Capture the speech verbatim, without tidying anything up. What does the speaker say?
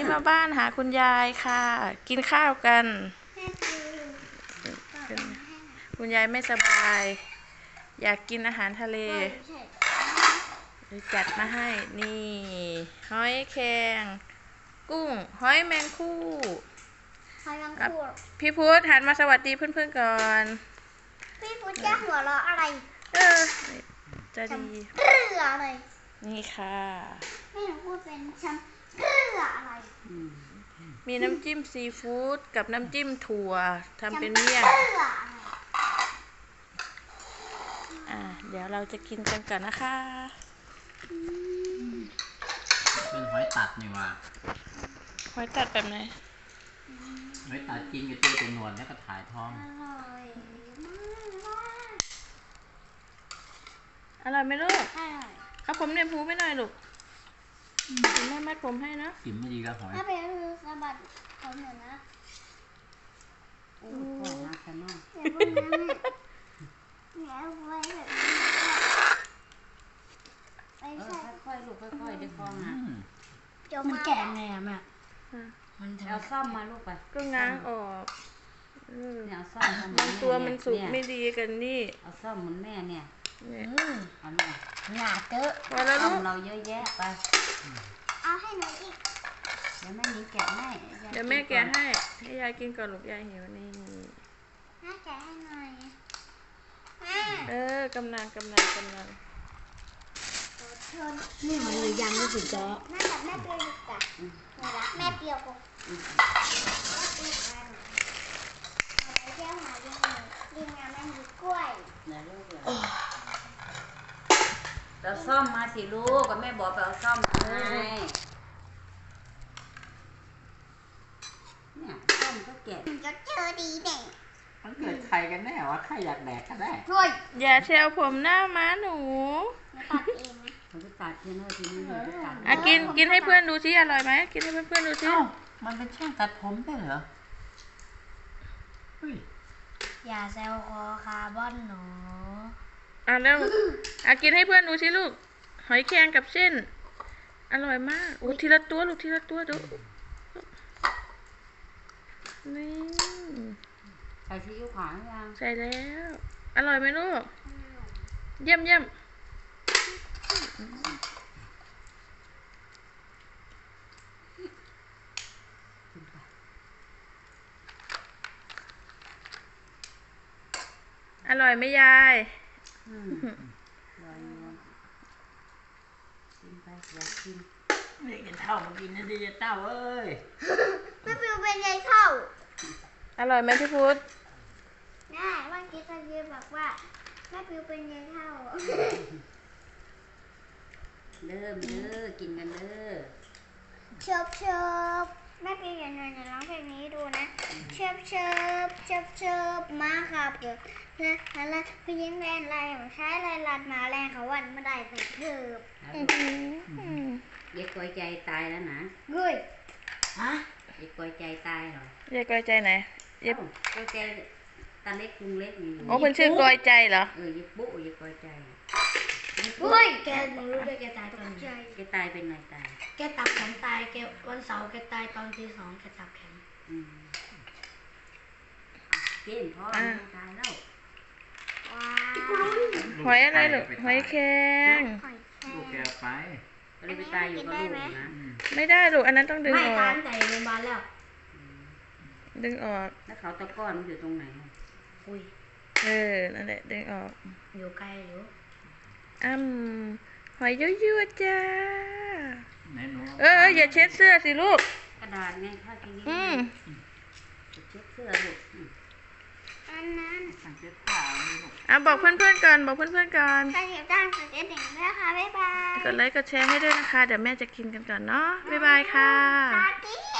มาบ้านหาคุณยายค่ะกินข้าวกันคุณยายไม่สบายอยากกินอาหารทะเลเลยจัดมาให้นี่หอยแครงกุ้งหอยแมงคู่พี่พุทธหันมาสวัสดีเพื่อนๆก่อนพี่พุทธแกหัวเราะอะไรเออจะดีเรืออะไรนี่ค่ะไม่หนูพูดเป็นฉันเรืออะไรมีน้ำจิ้มซีฟู้ดกับน้ำจิ้มถั่วทำเป็นเมี่ยงอ่าเดี๋ยวเราจะกินกันก่อนนะคะเป็นหอยตัดนี่ว่าหอยตัดแบบไหนหอยตัดกินกับตัวตัวหนวดแล้วก็ถ่ายท้องอร่อยไหมลูกเอาผมเนี่ยพูไม่หน่อยลูกคุณแม่มัดผมให้นะกินไม่ดีแล้วหอยถ้าเป็นคือสะบัดผมเหมือนนะโอ้โหน่ากินมากแล้วไว้แบบนี้ไปใส่ค่อยๆลูกค่อยๆได้ฟองนะมันแก่ไงอะแม่มันเอาซ่อมมาลูกไปก็ง้างออกเนี่ยเอาซ่อมบางตัวมันสุกไม่ดีกันนี่เอาซ่อมเหมือนแม่เนี่ยเอาหนาหนาเตอะพอแล้วลูกเราเยอะแยะไปเอาให้หนูอีกเดี๋ยวแม่นี้แกะให้เดี๋ยวแม่แกะให้ให้ยายกินก่อนลูกยายหิวนี่แม่แกะให้หน่อยเออกำลังกำลังกำลังนี่มันเลยยังไม่สุดจ้ะแม่แบบแม่เปรี้ยวดีกว่าแม่เปรี้ยวกูเที่ยวหาดิงดิงงานมันมีกล้วยเราซ่อมมาสิลูกก็แม่บอกไปเอาซ่อมมาให้เนี่ยซ่อมก็แกะก็เจอดีเด็กมันเกิดใครกันแน่วะใครอยากแดกก็ได้อย่าแซวผมหน้าม้าหนูตัดเองนะมันจะตัดที่นู่นที่นี่จะตัดอ่ะกินกินให้เพื่อนดูซิอร่อยไหมกินให้เพื่อนๆดูซิมันเป็นช่างตัดผมได้เหรออย่าแซวคอคาร์บอนหนูอ่ะแล้วอ่ะกินให้เพื่อนดูซิลูกหอยแครงกับเส้นอร่อยมากโอ้ทีละตัวลูกทีละตัวดูนี่ใส่ซีอิ๊วขาวยังใส่แล้วอร่อยไหมลูกเยี่ยมเยี่ยมอร่อยไหมยายอืมอร่อยกินไปอยากกินเด็กเท่ามากินนะดิเต้าเอ้ยแม่ปิวเป็นไงเท่าอร่อยไหมพี่พุทธแม่ว่าคิดจะยืนบอกว่าแม่ปิวเป็นไงเท่าเริ่มเด้อกินกันเด้อเชิบเชิบแม่ปิวอย่างไรจะร้องเพลงนี้ดูนะเชิบเชิบเชิบเชิบมาครับเกิดนะอะไรพี่ยิงแรงไรของใช้ไรลัดมาแรงเขาวันไม่ได้ใส่เทิบเด็กกอยใจตายแล้วนะเฮ้ยฮะเด็กกอยใจตายเหรอเด็กกอยใจไหนเด็กกอยใจตาเล็กกรุงเล็กนี่โอ้เป็นชื่อกอยใจเหรอเออยิบปุ๊ยิบกอยใจเฮ้ยแกหนูรู้ด้วยแกตายตอนใจแกตายเป็นไงตายแกตับแข็งตายแกวันเสาร์แกตายตอนที่สองแกตับแข็งเก่งพ่อตายแล้วหอยอะไรหรอหอยแครงลูกแกไปเลยไปตายอยู่กับลูกนะไม่ได้ลูกอันนั้นต้องดึงออกไม่ตายแต่โรงพยาบาลแล้วดึงออกแล้วเขาตะก้อนอยู่ตรงไหนอุ้ยเออนั่นแหละดึงออกอยู่ไกลอยู่อ้ำหอยยั่วๆจ้าเอออย่าเช็ดเสื้อสิลูกกระดาษไงข้ากินนี่อืมเช็ดเสื้อลูกอันนั้นสั่งเช็ดผ้าอ่ะบอกเพื่อนๆก่อนบอกเพื่อนๆก่อนใครอยากจ้างกดกระดิ่งด้วยค่ะบ๊ายบายกดไลค์กดแชร์ให้ด้วยนะคะเดี๋ยวแม่จะกินกันก่อนเนาะบ๊ายบายค่ะ